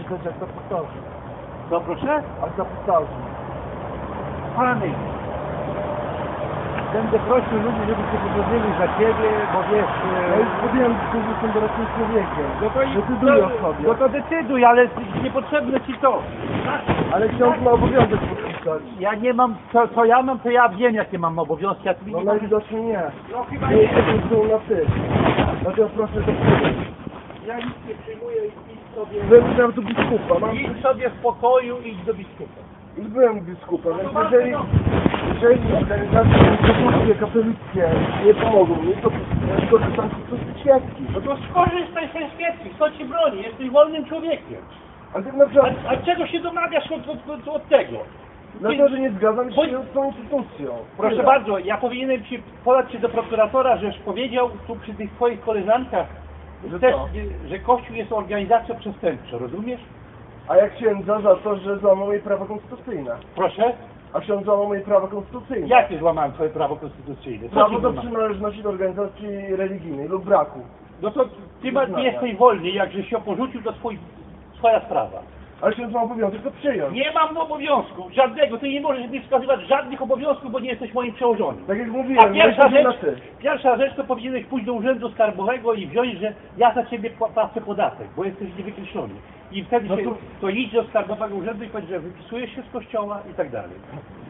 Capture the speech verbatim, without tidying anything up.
krzyczeć, jak to powtarzam. Co proszę? Jak to powtarzam. Pany, będę prosił ludzi, żeby się pomodlili za ciebie, bo wiesz... Ja już podjąłem decyzję, że jestem dorosłym człowiekiem. No to, Decyduj o no, sobie. no to decyduj, ale niepotrzebne ci to. Ale ksiądz ma obowiązek podpisać. Ja nie mam, co, co ja mam, to ja wiem, jakie mam obowiązki, a ty No nie mam... najwidoczniej nie. No chyba Nie nie. jesteśmy tu na ty. Dlatego proszę to przyjąć. Ja nic nie przyjmuję i idź sobie... Byłem tu biskupa. Mam... Idź sobie w pokoju i idź do biskupa. Już byłem biskupem, więc jeżeli, jeżeli organizacje instytucje katolickie nie pomogą mi, to ja skorzystam z świadki. No to skorzystaj ze świeczki, kto ci broni, jesteś wolnym człowiekiem. A tak na przykład, A, a czego się domagasz od, od, od, od tego? dlatego, że nie zgadzam Bo- się z tą instytucją. Proszę Tyle. bardzo, ja powinienem ci podać się do prokuratora, żeś powiedział tu przy tych twoich koleżankach, Że też, co? że Kościół jest organizacją przestępczą, rozumiesz? A jak księdza za to, że złamał moje prawa konstytucyjne? Proszę? A ksiądz złamał moje prawa konstytucyjne? Jakie złamałem twoje prawo konstytucyjne? Co Prawo ci do złamałem? przynależności do organizacji religijnej lub braku. No to ty ma, nie jesteś wolny, jakże się porzucił, to twój, twoja sprawa. Ale ksiądz ma obowiązek to przyjąć. Nie mam obowiązku, żadnego, ty nie możesz mi wskazywać żadnych obowiązków, bo nie jesteś moim przełożonym. Tak jak A mówiłem, pierwsza jesteśmy na rzecz, ty. pierwsza rzecz to powinieneś pójść do urzędu skarbowego i wziąć, że ja za ciebie płacę podatek, bo jesteś niewykreślony. I wtedy No się, to- to idź do skarbowego urzędu i powiedz, że wypisujesz się z kościoła i tak dalej.